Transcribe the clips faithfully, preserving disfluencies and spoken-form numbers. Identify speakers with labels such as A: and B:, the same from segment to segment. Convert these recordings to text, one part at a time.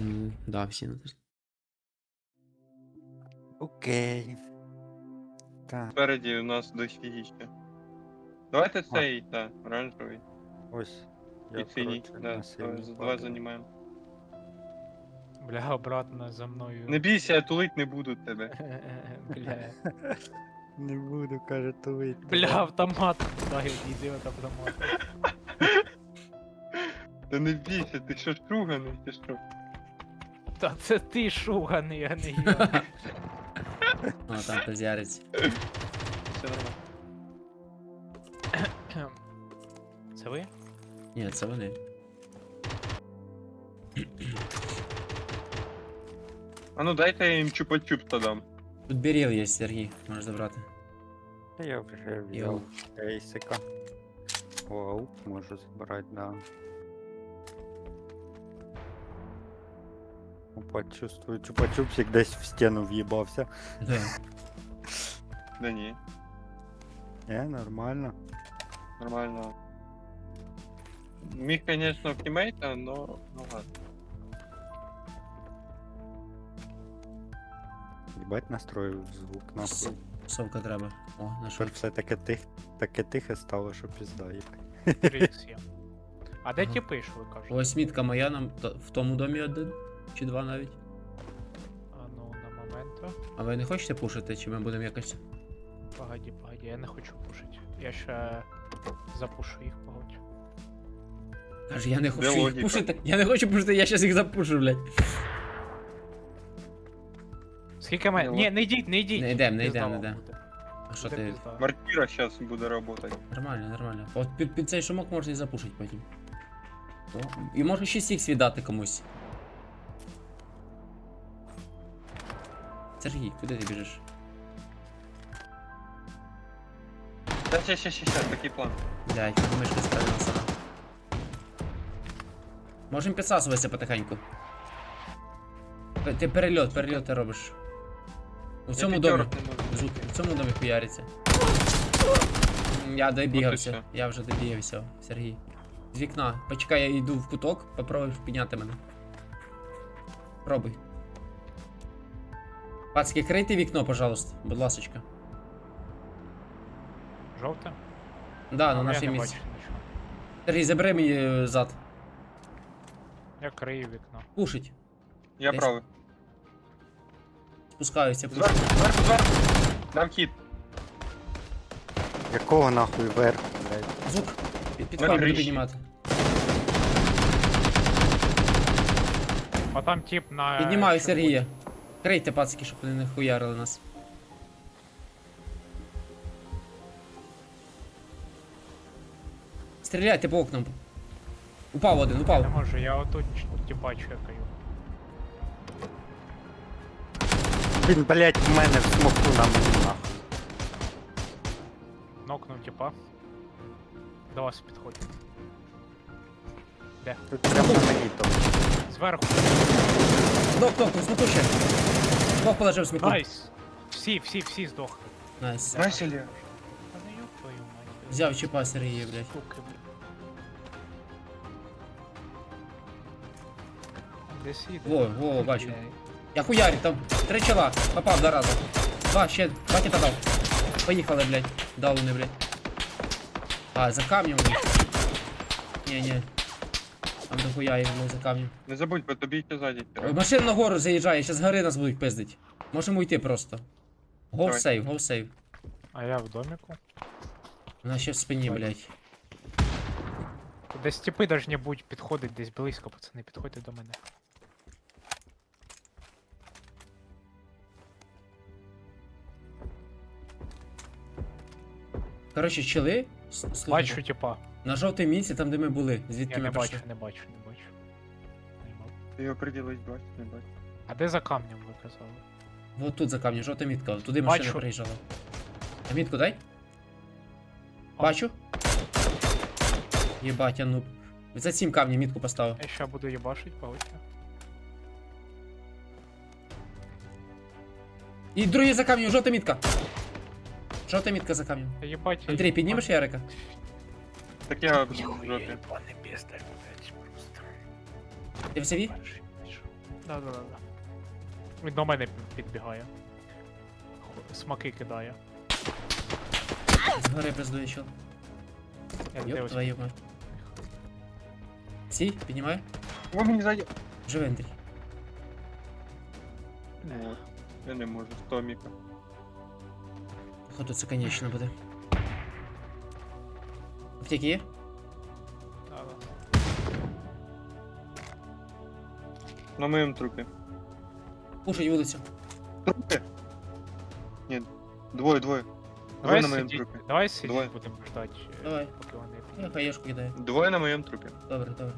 A: М, Да, всі на тест.
B: Окей. Так,
C: Спереді у нас дофігіще. Давайте
B: А.
C: цей, та, оранжевий.
B: ось. Я,
C: І синій.
B: коротше,
C: Да,
B: на синій
C: давай, два
B: падаю.
C: займаємо.
D: Бля, обратно за мною.
C: Не бійся, я тулить не буду тебе.
D: Бля.
B: Не буду, каже, тулить.
D: Бля, автомат. Да, іди от автомат.
C: Та не бійся, ти що шруганий, ти що?
D: Та це ти шуганий, а не я.
A: О, там хтось яриться.
C: Все нормально.
D: Це ви?
A: Ні, це вони.
C: А ну дайте я їм чупа-чупса дам.
A: Тут беріл є, Сергій, можеш забрати.
B: Та я вже
A: Йоу.
B: взяв ейсика. Вау, можу забрати, да. Опа, чувствую, чупа-чупсик десь в стіну в'їбався.
A: Да.
C: Да ні,
B: Е, нормально.
C: нормально. Міг, конечно, в тімейта, но ну ладно.
B: Їбать настроїв звук, нахуй.
A: С- Совка треба. О,
B: Тепер
A: нашов.
B: все таке тих, таке тихе стало, що пізда, їбать.
D: Трикс є. А де
A: Ага.
D: ті пиш, ви кажете?
A: Ось мітка моя нам то- в тому домі один. Чи два навіть.
D: А ну, на моменту.
A: А ви не хочете пушити, чи ми будемо якось.
D: Погоді, погоді, я не хочу пушити. Я ще запушу їх, погодь.
A: Каже, я не
C: Де
A: хочу їх
C: логіка?
A: пушити. Я не хочу пушити, я щас їх запушу, блядь.
D: Скільки мене?
C: Ну,
D: Ні, не йдіть, не йдіть.
A: Не йдем, не
D: Пізда
A: йдем, не
D: вам
A: йдем.
D: буде.
A: А що
D: Буде
A: ти.
D: пізда.
C: Мартіра зараз буде працювати.
A: Нормально, нормально. От під, під цей шумок можна і запушити потім. О, і може шість ікс віддати комусь. Сергій, куди ти біжиш?
C: Та ще, ще, ще, ще, такий план.
A: Блядь, мишка справилася. Можемо підсасуватися потихеньку. П- Ти перельот, перельот ти робиш. У цьому
C: Я
A: домі.
C: п'ятерок не можу.
A: Звук, в цьому домі хуяриться. М, Я добігався.
C: все.
A: Я вже добігався, Сергій. З вікна. Почекай, я йду в куток, попробуй підняти мене. Пробуй. Пацки, крийте вікно, пожалуйста, будь ласочка.
D: Жовте?
A: Да, на
D: Ну, я
A: наше
D: не
A: місце.
D: бачу нічого.
A: Сергій, забери мені е, зад.
D: Я крию вікно.
A: Пушить.
C: Я
A: Десь.
C: правий.
A: Спускаюся.
C: Зверху, зверху, зверху. Дам хід.
B: Якого нахуй верху, блядь?
A: Звук. Під, підходь,
C: На
A: буду
C: криші.
A: піднімати.
D: А там тип на...
A: Піднімаю
D: що
A: Сергія. Крийте, пацки, щоб вони не хуярили нас. Стріляйте по окнам. Упав один,
D: буде.
A: упав.
D: Не можу, я отут типа чекаю.
B: Він, блядь, в мене в смоку на мені, нахуй.
D: Нокнув типа. До вас підходить. Де?
B: Тут прямо на мені там.
D: Зверху.
A: Док, док, у смоку ще. Двох положив в смоку.
D: Найс! Всі, всі, всі здохли.
A: Найс.
C: Знаєш, Ілля?
D: Та не ёб твою мать.
A: Взяв чіпа Сергія, блядь.
D: Суки, блядь. Десь іде.
A: Во, во, бачу.
D: Блядь.
A: Я хуярю, там три чола. Попав два рази. Два, ще, два кита дав. Поїхали, блядь. Дав вони, блядь. А, за камнем, блядь. Ні, ні. Там дохуя їх, блядь, за камнем.
C: Не забудь, бо тобі ще ззаді.
A: Ой, машина на гору заїжджає, зараз гори нас будуть пиздить. Можемо йти просто. Go
C: Давай.
A: save, go save.
D: А я в доміку.
A: Вона ще в спині, блядь.
D: Десь типи должні будь підходить десь близько, пацани, підходьте до мене.
A: Коротше, чили. с- слухайте,
D: Бачу типа.
A: На жовтій місці, там де ми були. Звідки
D: Я
A: ми
D: не
A: прийшли.
D: бачу, не бачу, не бачу. Не бачу.
C: Ти його приділись, бачиш, не бачиш.
D: А де за камнем ви казали?
A: Вот тут за камнем, жовта мітка. Туди машина
D: Бачу.
A: приїжджала. А мітку дай?
D: А.
A: Бачу. Єбать, я нуб. За цим камнем мітку поставив.
D: Я ще буду їбашить, погодьте.
A: І другий за камнем, жовта мітка. Жовта мітка за камнем.
D: Та їбать. я
A: Андрій,
D: їбан-
A: піднімеш Ярика?
C: Так я в
D: Ой,
C: жопі.
D: їбаний піздар, блядь, просто.
A: Ти в севі?
D: Перший знайшов. Да-да-да. Він до мене пі- підбігає. Хо- Смаки кидає.
A: Згори пиздує чел.
D: Я
A: Йоп,
D: дивлюсь.
A: твою мать. Сі, піднімай.
C: О, мені ззаді.
A: Живи, Андрій.
C: От. Я не можу, з Томіка.
A: Походу це конечно буде. Аптеки є?
D: Да-да.
C: На моєму трупі.
A: Пушить вулицю.
C: Трупи? Ні, двоє, двоє.
D: Давай
C: Двоє на моєму
D: сидіть,
C: трупі.
D: давай сидіть,
C: Двоє.
D: будемо ждати, е,
A: Давай.
D: поки вони...
A: Я хаєшку кидаю.
C: Двоє на моєму трупі.
A: Добре, добре.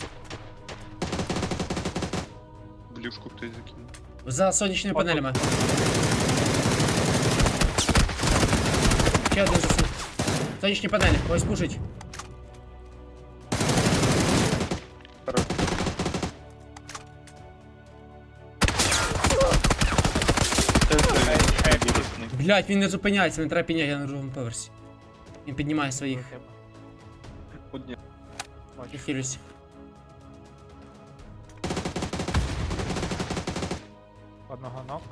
C: Блюшку хтось закинув.
A: За сонячними
D: О,
A: панелями. Ще один засун. Сонячні панелі, ось пушить.
C: Хорош. Це
D: Ей, ей,
C: той вірусний.
A: Блять, він не зупиняється, не треба підняти, я на другому поверсі. Він піднімає
D: до
A: своїх.
D: тебе.
C: Одні.
A: Я
D: Бачу.
A: хилюсь.
D: Одного ног.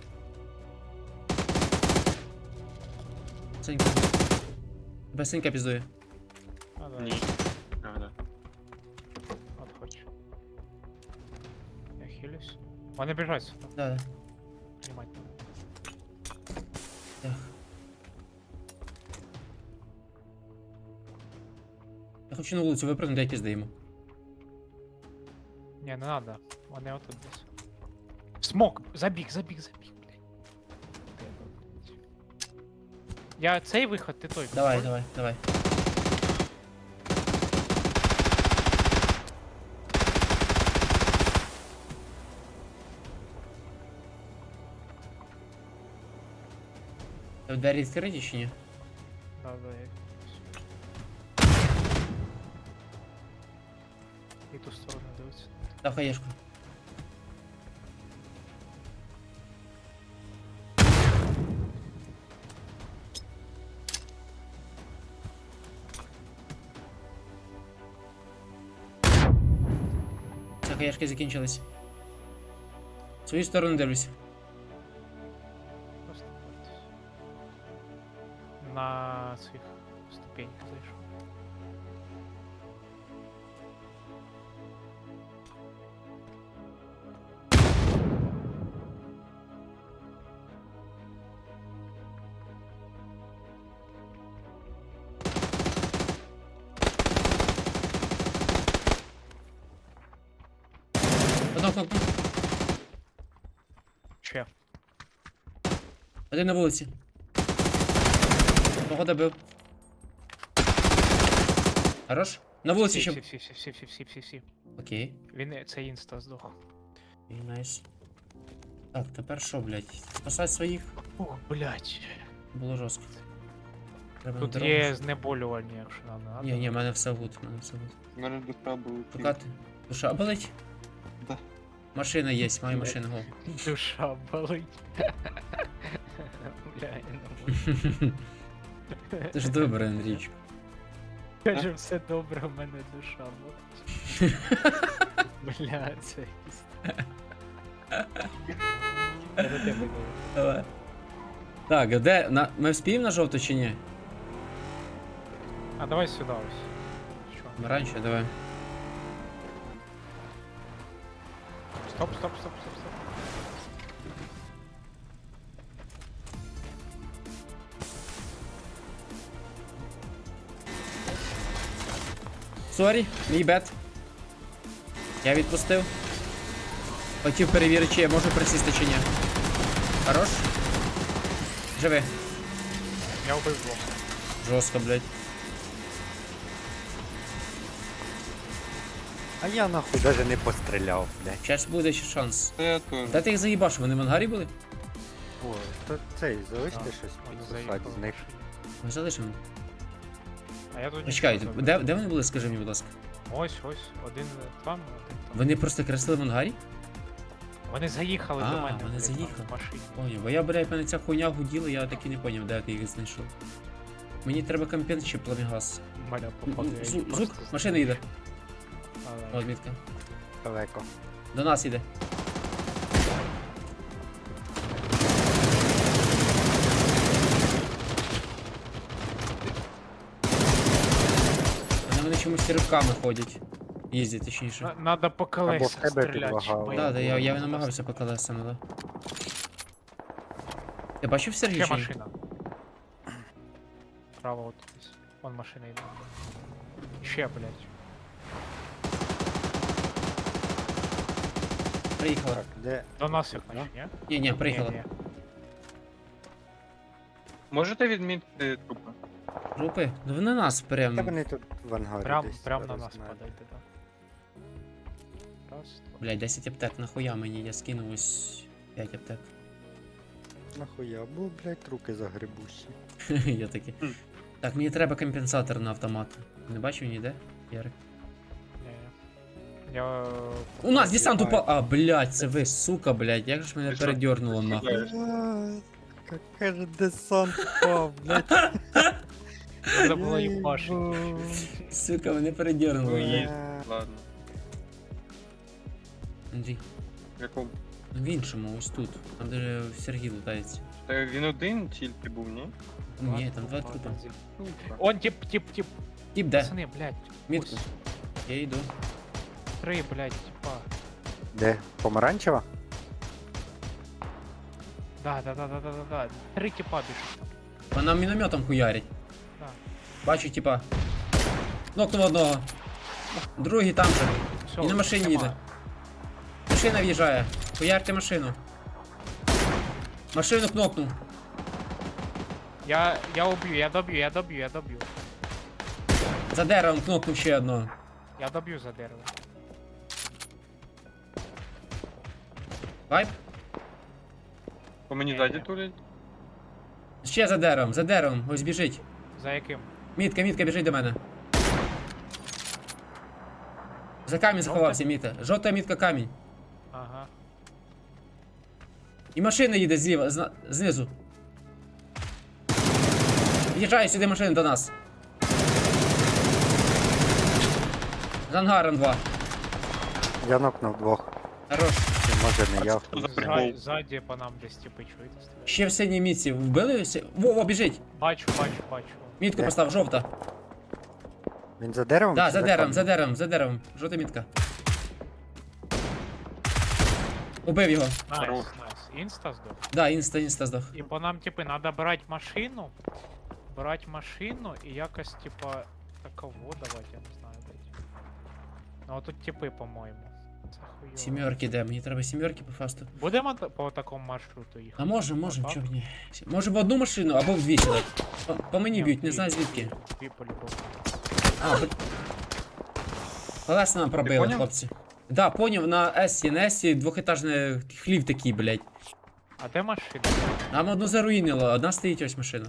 A: Синька. Без синька піздує.
D: А, да.
C: Ні. А, да.
D: От хоч. Я хилюсь. Вони біжать сюди.
A: Да, да.
D: Знімать.
A: Так. Я хочу на вулицю випрыгнути, дай пізди йому.
D: Ні, не надо. Вони отут десь. Смок! Забіг, забіг, забіг, блядь. Тебе, блядь. Я цей виход, ти той.
A: Давай,
D: контроль.
A: давай, давай. Та двері відкриті чи ні?
D: Да, да, я... І ту сторону дивиться.
A: Дав хаєшку. Все, хаєшки закінчились. В свою сторону дивлюсь.
D: Просто бойтесь. На цих ступеньках зайшов.
A: Одного кнопку.
D: Че?
A: Один на вулиці. Кого добив. Хорош? На вулиці
D: Всі,
A: ще.
D: всі, всі, всі, всі, всі, всі, всі.
A: Окей.
D: Він е, це інста здох.
A: І найс. Так, тепер що, блядь? Спасати своїх?
D: Ух, блядь.
A: Було жорстко. Треба
D: Тут
A: на дорогу.
D: є знеболювання, якщо нам надо.
A: Ні, ні, в мене все гуд, в мене все гуд.
C: У мене душа була.
A: Покати. Душа болить?
C: Да.
A: Машина є, маю машину, го.
D: Душа болить. Бля, я не можу.
A: Ти ж добре, Андрійчик.
D: Каже, все добре, у мене душа болить. Бля, це іста. Я до тебе говорю.
A: Давай. Так, а де? На... Ми вспіємо на жовту чи ні?
D: А давай сюди ось. Що?
A: Ми раніше, давай.
D: Стоп, стоп, стоп, стоп, стоп.
A: Сорі, мій бет. Я відпустив. Хотів перевірити, чи я можу присісти чи ні. Хорош? Живи.
D: Я вбив двох.
A: Жорстко, блядь.
B: А я нахуй даже не постріляв, блядь.
A: Зараз буде ще шанс.
C: Це я теж.
A: Де ти їх заїбаш? Вони в ангарі були?
B: О, то цей, залиште
D: Да,
B: щось
D: вони
B: підсосати
D: заїхали
B: з них.
D: в машині.
A: Ми залишимо.
D: А я тут
A: Почекай,
D: нічого
A: де,
D: забив.
A: де вони були, скажи мені, будь ласка.
D: Ось, ось, один там, один там.
A: Вони просто креслили в ангарі?
D: Вони заїхали
A: А,
D: до мене.
A: вони
D: блядь, там,
A: заїхали.
D: в машині.
A: Поняв, бо я, блядь, мене ця хуйня гуділа, я так і не поняв, де ти їх знайшов. Мені треба компенс чи пламігаз.
D: Маля походу. я
A: Звук,
D: їх
A: звук,
D: просто
A: машина
D: знаю.
A: їде.
D: А, да.
A: О, відмітка.
B: Далеко.
A: До нас іде. ривками ходять. Їздять, точніше.
D: На- Надо по
B: Або в
D: колесах
B: тебе
D: стріляти.
B: підлагало.
D: щоб
A: Да, да, я, я
D: було
A: намагався по колесам, да. Ти бачив Сергій?
D: Ще
A: чи ні?
D: машина. Право от десь. Вон машина йде. Ще, блядь.
A: Приїхала.
B: Так, де?
D: До нас їх наче, ні?
A: Ні, ні, приїхала.
D: Ні, ні.
C: Можете відмітити трупи?
A: Групи? Ну вони нас
B: Та
A: прям.
B: вони тут в ангарі
D: Прям,
B: десь
D: прям на
B: зараз
D: нас
B: знають.
D: падайте, так. Раз, два.
A: Блять, десять аптек, нахуя мені, я скинув ось п'ять аптек.
B: Нахуя, бо, блядь, руки загребущі.
A: Я такий.
C: Хм.
A: Так, мені треба компенсатор на автомат. Не бачив ніде? Ярик.
D: Ні, ні. Я... е,
A: У нас десант
B: Ай.
A: упав. А, блять, це ви, сука, блять, як же ж мене
C: Ти що?
A: передернуло
C: Ти
A: нахуй.
C: шукаєш?
B: Какая же десант впав, блядь.
D: Треба було їбашити.
A: Сука, мене передернуло.
C: Ну,
A: блядь.
C: є. Ладно.
A: Андрій,
C: В якому?
A: ну в іншому, ось тут. Там де Сергій лутається.
C: Та він один тільки був, ні?
A: Ні, там два трупа.
C: Супер.
D: Он тип, тип, тип.
A: Тіп де?
D: Пацани, блядь.
A: Мітку.
D: ось
A: Я йду.
D: Три, блядь, типа.
B: Де? Помаранчева?
D: Да, да, да, да, да, да, да. Три типа біжуть там.
A: Вона мінометом хуярить.
D: Да.
A: Бачу, типа. Нокнув одного. Другий там же.
D: Все,
A: І на машині
D: нема.
A: їде. Машина в'їжджає. Хуярте машину. Машину кнопнув.
D: Я, я уб'ю, я доб'ю, я доб'ю, я доб'ю.
A: За деревом кнопнув ще одного.
D: Я доб'ю за дерево.
A: Вайп?
C: По мені
D: Ні,
C: ззаді
D: ні.
C: турять?
A: Ще за деревом, за деревом. Ось біжить.
D: За яким?
A: Мітка, мітка, біжить до мене. За камінь заховався, міта. Жовта мітка камінь.
D: Ага.
A: І машина їде зліва, зна- знизу. В'їжджає сюди машина до нас. З ангаром два.
B: Я нокнув двох.
A: Хорош.
B: Чи може не я.
C: Що за
B: хто
C: прикол?
B: знає.
D: Ззаді, ззаді по нам десь типи чуєте стріляють.
A: Ще в синій мітці. Вбили? Сі- Во, во, біжить.
D: Бачу, бачу, бачу.
A: Мітку
B: Де?
A: постав, жовта.
B: Він за деревом?
A: Да,
B: чи
A: за деревом,
B: камнем?
A: за деревом, за деревом. Жовта мітка. Убив його.
D: Найс,
C: Хорош.
D: найс. Інста здох.
A: Да, інста, інста здох.
D: І по нам, типи, надо брати машину. Брати машину і якось, типа, таково давати, я не знаю, блядь. Ну, от тут типи, по-моєму. Це хуйово.
A: Сімерки де? Мені треба сімерки по фасту.
D: Будемо та- по такому маршруту їхати?
A: А може, можем,
D: Отак?
A: чого ні. Може в одну машину або в дві сюди. По, по мені
D: Ні,
A: б'ють, не
D: дві,
A: знаю звідки.
D: Дві по-любому.
A: А, по... Колеса нам пробили,
C: поняв?
A: хлопці. Да, поняв, на Есі, на Есі двохетажний хлів такий, блядь.
D: А де машина?
A: Нам одну заруїнило, одна стоїть ось машина.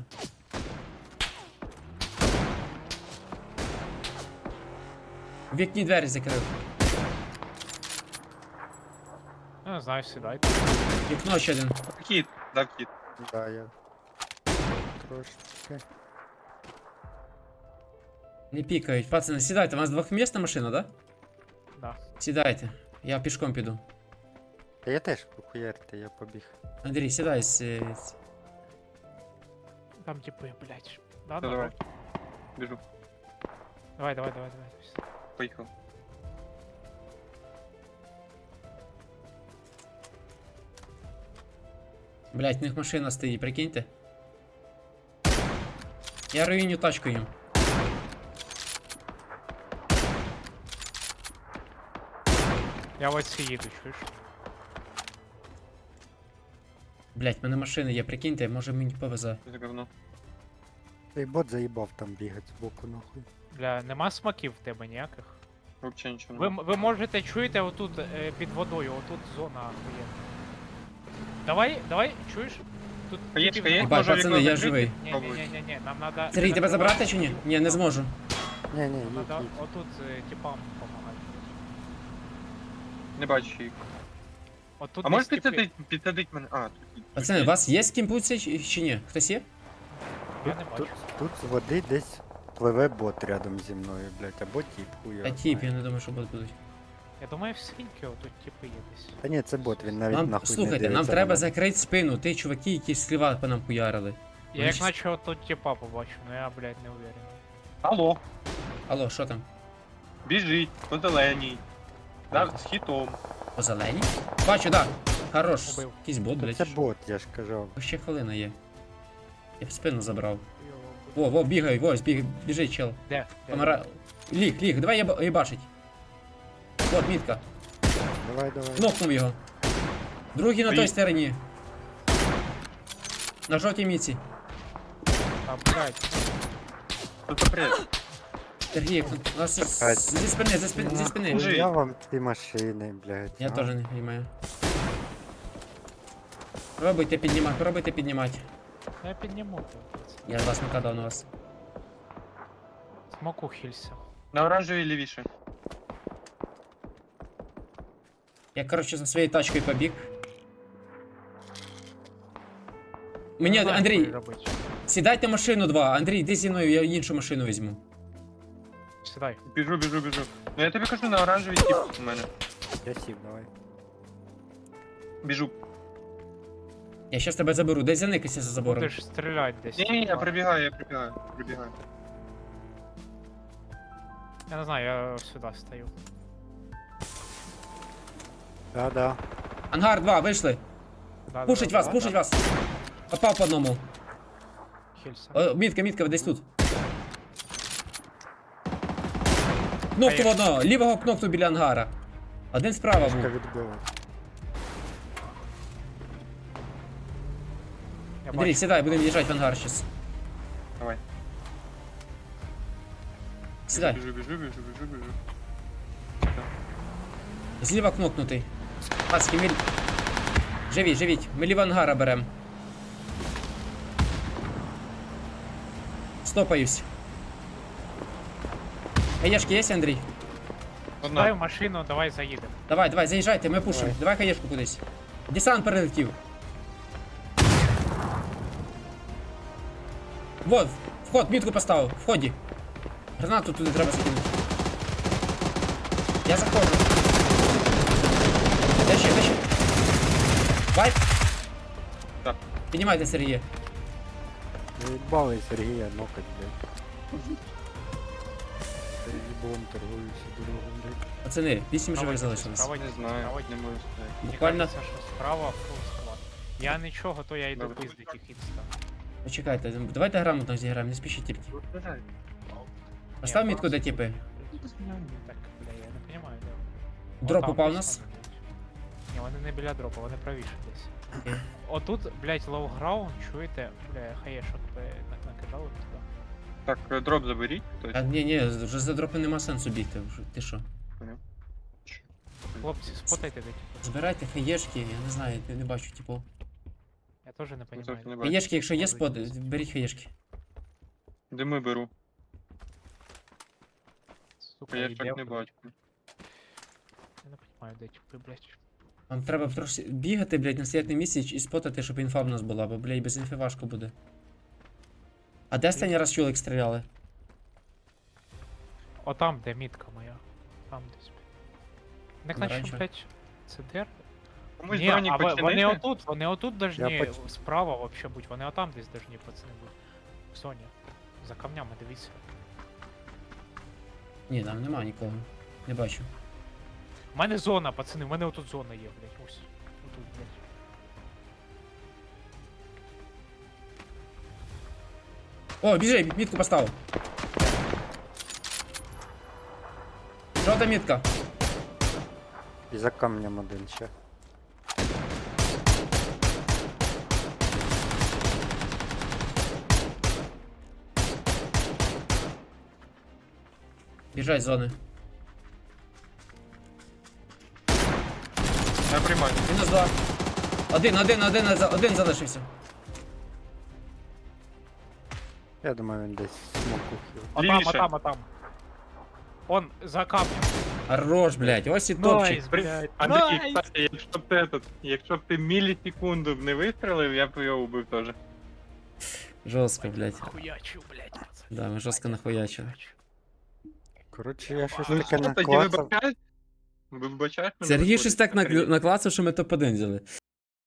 A: В вікні двері закрив.
D: Ну, не знаю, сідайте.
A: Вікно ще один.
C: Кіт, дав кіт.
B: Да, я. Трошки.
A: Не пікають. Пацани, сідайте, у вас двохмісна машина, да?
D: Да.
A: Сідайте. Я пішком піду.
B: Та я теж похуярте, я побіг.
A: Андрій, сідай. с- с-
D: Там типи, блядь. Да,
C: Та
D: да,
C: давай.
D: да.
C: Біжу.
D: Давай, давай, давай, давай.
C: Поїхав.
A: Блять, в них машина стоїть, прикиньте. Я руїню тачку їм.
D: Я ось ці їду, чуєш?
A: Блять, в мене машина є, прикиньте, може мені повезе.
C: Це говно.
B: Цей бот заїбав там бігати збоку нахуй.
D: Бля, нема смаків в тебе ніяких.
C: Вообще нічого
D: Ви,
C: не.
D: м- ви можете чуєте отут е, під водою, отут зона охуєнна. Давай, давай, чуєш? Тут
C: Хаєчка
D: типів
C: є?
D: нема.
A: Єбать,
C: Може,
A: пацани,
C: вікно
A: я
C: закрити?
A: живий.
D: Ні, ні,
C: Пробуй.
D: ні, ні, ні, нам надо.
A: Сергій, тебе забрати чи ні? Ні, не зможу.
B: Ні, ні,
D: Нам
B: їдь,
D: надо
B: їдь.
D: отут е, типам допомагати.
C: Не бачу їх.
D: Отут
C: А можеш
D: десь типи-
C: підсадить, підсадить мене? А, тут. тут
A: Пацани, у
C: є.
A: вас є з ким путься чи чи ні? Хтось є?
D: Я не
B: Тут,
D: бачу.
B: тут з води десь пливе бот рядом зі мною, блядь, або тіп, хуя.
A: Та тіп, я не думаю, що будуть будуть.
D: Я думаю, в скриньки отут типи є десь.
B: Та ні, це бот, він навіть
A: Нам,
B: нахуй не
A: слухайте, нам
B: дивиться
A: треба
B: на мене.
A: закрити спину, ти чуваки, які сліва по нам хуярили.
D: Я
A: Вони
D: як
A: щас-
D: наче отут типа побачу, но я, блядь, не уверен.
C: Алло.
A: Алло, що там?
C: Біжить, по зеленій. Да, з хітом.
A: По зеленій? Бачу, да. Хорош.
D: Убив.
A: Якийсь бот, блядь.
B: Це бот, я ж кажу.
A: Ще хвилина є. Я в спину забрав.
D: Йо,
A: Во, во, бігай, ось, біг, біжить, чел.
D: Де? Де?
A: Помира... Ліг, ліг, давай я їбашить. Вот, мітка.
B: Давай, давай.
A: Кнопнув його. Другий на той
C: Поїдь.
A: стороні. На жовтій міці.
D: А, блядь.
C: Тут попред.
A: Сергій, у нас
B: Чекай.
A: з- зі спини, зі спини, зі спини.
C: Жи.
B: Я вам ці машини, блядь.
A: Я
B: а?
A: теж не розумію. Пробуйте піднімати, пробуйте піднімати.
D: Я підніму тебе.
A: Я з вас накидав на вас.
D: Смоку хілься.
C: На оранжевій лівіше.
A: Я, коротше, за своєю тачкою побіг. Мені,
D: Не знаю,
A: Андрій,
D: що робити.
A: сідайте машину два. Андрій, йди зі мною, я іншу машину візьму.
D: Сідай.
C: Біжу, біжу, біжу. Ну я тобі кажу, на оранжевій тип у мене.
B: Я сів, давай.
C: Біжу.
A: Я щас тебе заберу, десь заникайся за забором.
D: Будеш стріляти десь.
C: Ні, ні, я прибігаю, я прибігаю, прибігаю.
D: Я не знаю, я сюди стою.
B: Да, да.
A: Ангар два, вийшли.
D: Да,
A: Пушить
D: да,
A: вас,
D: да,
A: пушить
D: да.
A: вас. Попав по одному.
D: Хілься.
A: О, мітка, мітка, десь тут. Кнопку в
D: є.
A: одного, лівого кнопку біля ангара. Один справа
B: Пушка
A: був.
B: відбила.
D: Я
A: Андрій,
D: бачу.
A: сідай, будемо їжджати в ангар щас.
C: Давай.
A: Сідай.
C: Біжу, біжу, біжу, біжу, біжу.
A: Зліва кнопнутий. Пацки, ми... Живіть, живіть. Ми ліво ангара берем. Стопаюсь. Хаєшки є, Андрій?
D: Дай
C: Одна.
D: в машину, давай заїдемо.
A: Давай, давай, заїжджайте, ми пушимо.
B: Давай.
A: Давай хаєшку кудись. Десант перелетів. Вот, вход, мітку поставив, вході. Гранату туди треба скинути. Я заходжу. Де ще, де ще? Вайп?
C: Так.
A: Піднімайте, Сергія.
B: Заїбали Сергія нокать, блядь. Сергій торгуюся дорогом, блядь.
A: Пацани, вісім живих
D: Давайте,
A: залишилось.
D: справа.
C: Не знаю,
D: Давай.
C: не можу сказати.
D: Мені
A: Буквально.
D: кажеться, що справа фул склад. Я нічого, то я йду
C: Добре.
D: пиздить їх інста.
A: Почекайте, давайте грамотно зіграємо, не спішіть тільки. Постав
D: Ні,
A: мітку, де
D: просто-
A: типи.
D: Так, бля, я не розумію, де.
A: Дроп
D: Отам
A: упав у
D: десь
A: нас.
D: вони, блядь. Ні, вони не біля дропа, вони правіше десь.
A: Окей.
D: Отут, блядь, лоу-граунд, чуєте? Бля, хаєшок би на- накидали туди.
C: Так, е, дроп заберіть.
A: А
C: Хтось.
A: ні, ні, вже за дропи нема сенсу бігти. вже. Ти що?
D: Хлопці, спотайте де типу.
A: Збирайте хаєшки, я не знаю, я не бачу, типу.
D: Я теж не
C: Ну,
D: розумію.
C: трохи не бачу.
A: Хаєшки, якщо є
D: Будуть
A: спот,
D: десь.
A: беріть хаєшки.
C: Дими беру.
D: Сука,
C: Я
D: йде,
C: так не
D: блядь.
C: бачу.
D: Я не розумію, де типи, блядь.
A: Вам треба трошки бігати, блядь, на стояти місці і спотати, щоб інфа в нас була, бо, блядь, без інфи важко буде. А де останній раз чоловік стріляли?
D: Отам, де мітка моя. Там десь. Так наче,
A: Помаранчева.
D: блядь, це дер?
C: Комусь
D: Ні,
C: бронік
D: а ви- вони
C: починити?
D: отут, вони отут должні
B: поч-
D: справа вообще бути, вони отам десь должні пацани бути. В зоні. За камнями, дивіться.
A: Ні, там нема нікого. Не бачу.
D: У мене зона, пацани, у мене отут зона є, блядь, ось. Отут, блядь.
A: О, біжи, мітку поставив. Жовта мітка.
B: І за камнем один ще.
A: Біжать з зони.
C: Я приймаю.
A: Мінус два. Один, один, один, один залишився.
B: Я думаю, він десь смоку хіл.
D: Отам,
C: Лівіше.
D: отам, отам. Он за камнем.
A: Хорош, блядь, ось і топчик.
D: Найс, блядь.
C: Андрій,
D: Найс!
C: кстати, якщо б ти этот, якщо б ти мілісекунду б не вистрелив, я б його убив теж.
A: Жорстко, блядь.
D: Хуячу, блядь, пацани.
A: Да, ми жорстко нахуячили.
B: Коротше, я щось
C: Ну
B: таке
C: що, тоді
B: наклацав.
C: вибачаєш? Вибачаєш мене?
A: Сергій
C: виходить?
A: щось так накл- наклацав, що ми топ один взяли.